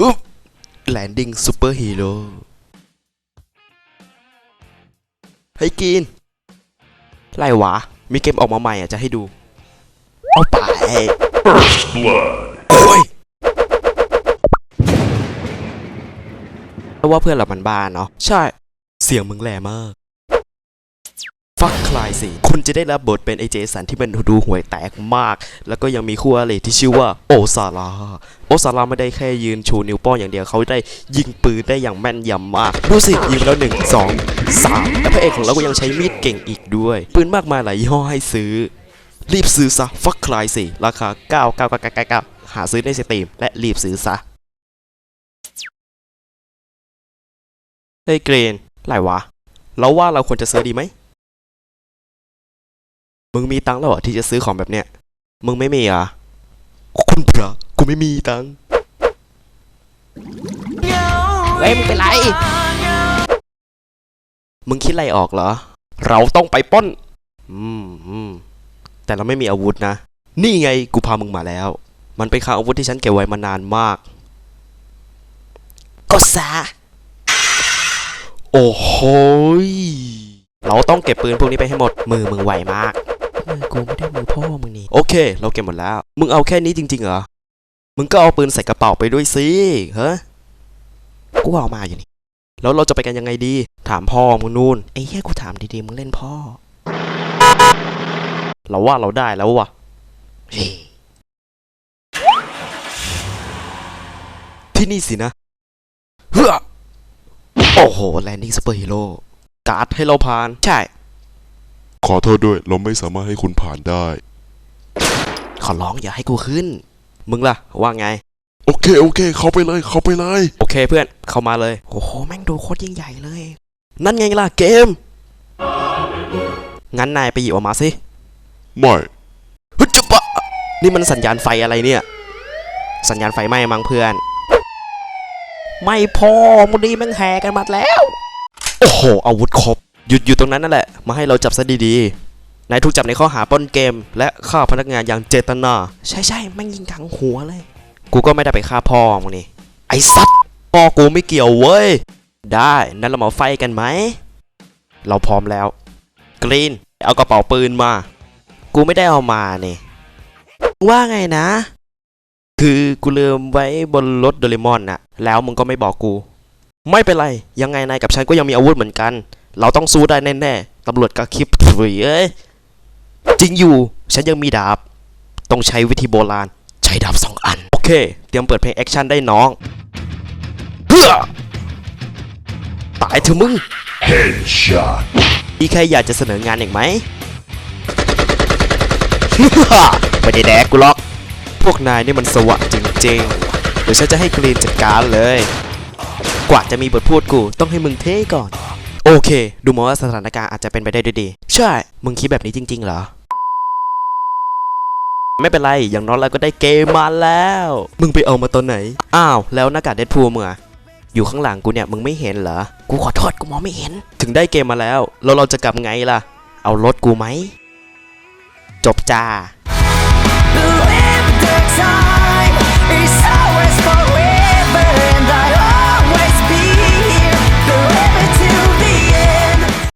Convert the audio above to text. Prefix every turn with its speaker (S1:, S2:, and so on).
S1: แลนดิ้งซูเปอร์ฮีโร่ให้กินไรวะมีเกมออกมาใหม่อ่ะจะให้ดูเอาไปโอ้ยเพราะว่าเพื่อนเรามันบ้าเนาะใช่เสียงมึงแหลมากฟักคลายสิคุณจะได้รับบทเป็นไอเจสันที่มันดูห่วยแตกมากแล้วก็ยังมีคู่อริที่ชื่อว่าโอซาร่าไม่ได้แค่ยืนชูนิ้วโป้งอย่างเดียวเขาได้ยิงปืนได้อย่างแม่นยำมากดูสิยิงแล้ว1 2 3และพระเอกของเราก็ยังใช้มีดเก่งอีกด้วยปืนมากมายหลายยี่ห้อให้ซื้อรีบซื้อซะฟักคลายสิราคา99999หาซื้อในสตรีมและรีบซื้อซะเฮ้ยเกรนไรวะเราว่าเราควรจะซื้อดีไหมมึงมีตังค์แล้วเหรอที่จะซื้อของแบบเนี้ยมึงไม่มีอ่ะคุณพระกูไม่มีตังค์เฮ้ยมึงเป็นไรมึงคิดอะไรออกเหรอเราต้องไปปล้นแต่เราไม่มีอาวุธนะนี่ไงกูพามึงมาแล้วมันเป็นอาวุธที่ฉันเก็บไว้มานานมากก็ซะโอ้โหเราต้องเก็บปืนพวกนี้ไปให้หมดมือมึงไวมากมือกูไม่ได้มือพ่อมึงนี่โอเคเราเก็บหมดแล้วมึงเอาแค่นี้จริงๆเหรอมึงก็เอาปืนใส่กระเป๋าไปด้วยสิเฮ้ยกูเอามาอยู่นี่แล้วเราจะไปกันยังไงดีถามพ่อมึงนู่นไอ้เหี้ยกูถามดีๆมึงเล่นพ่อเราว่าเราได้แล้ววะที่นี่สินะเฮ้อโอ้โหแลนดิ้งซูเปอร์ฮีโร่การ์ดให้เราผ่านใช่
S2: ขอโทษด้วยเราไม่สามารถให้คุณผ่านได้
S1: ขอร้องอย่าให้กูขึ้นมึงล่ะว่าไง
S2: โอเคเข้าไปเลย
S1: โอเคเพื่อนเข้ามาเลยโอ้โหแม่งดูโคตรยิ่งใหญ่เลยนั่นไงล่ะเกมงั้นนายไปหยิบออกมาสิ
S2: ไม่
S1: ฮึจุบะนี่มันสัญญาณไฟอะไรเนี่ยสัญญาณไฟไหม้มั้งเพื่อนไม่พอมุนีแม่งแห่กันมาแล้วโอ้โหอาวุธครบหยุดอยู่ตรงนั้นนั่นแหละมาให้เราจับซะดีๆนายถูกจับในข้อหาปล้นเกมและฆ่าพนักงานอย่างเจตนาใช่แม่งยิงถังหัวเลยกูก็ไม่ได้ไปฆ่าพ่อมึงนี่ไอ้สัตว์พ่อกูไม่เกี่ยวเว้ยได้นั่นเรามาไฟกันไหมเราพร้อมแล้วกรีนเอากระเป๋าปืนมากูไม่ได้เอามาเนี่ยว่าไงนะคือกูลืมไว้บนรถโดเรมอนน่ะแล้วมึงก็ไม่บอกกูไม่เป็นไรยังไงนายกับฉันก็ยังมีอาวุธเหมือนกันเราต้องสู้ได้แน่ๆตำรวจกระคิบเอ้ยจริงอยู่ฉันยังมีดาบต้องใช้วิธีโบราณใช้ดาบ2 อันโอเคเตรียมเปิดเพลงแอคชั่นได้น้องเฮ้อตายเถอะมึง
S2: Headshot
S1: มีใครอยากจะเสนองานอีกไหม ไม่ได้แดกกูหรอกพวกนายนี่มันสวะจริงๆเดี๋ยวฉันจะให้กรีนจัดการเลยกว่าจะมีบทพูดกูต้องให้มึงเท่ก่อนโอเคดูเหมือนว่าสถานการณ์อาจจะเป็นไปได้ด้วยดีใช่มึงคิดแบบนี้จริงๆเหรอไม่เป็นไรอย่างน้อยเราก็ได้เกมมาแล้วมึงไปเอามาตอนไหนอ้าวแล้วหน้ากากเดดพูลมึงอะอยู่ข้างหลังกูเนี่ยมึงไม่เห็นเหรอกูขอโทษกูมองไม่เห็นถึงได้เกมมาแล้วเราจะกลับไงล่ะเอารถกูไหมจบจ้า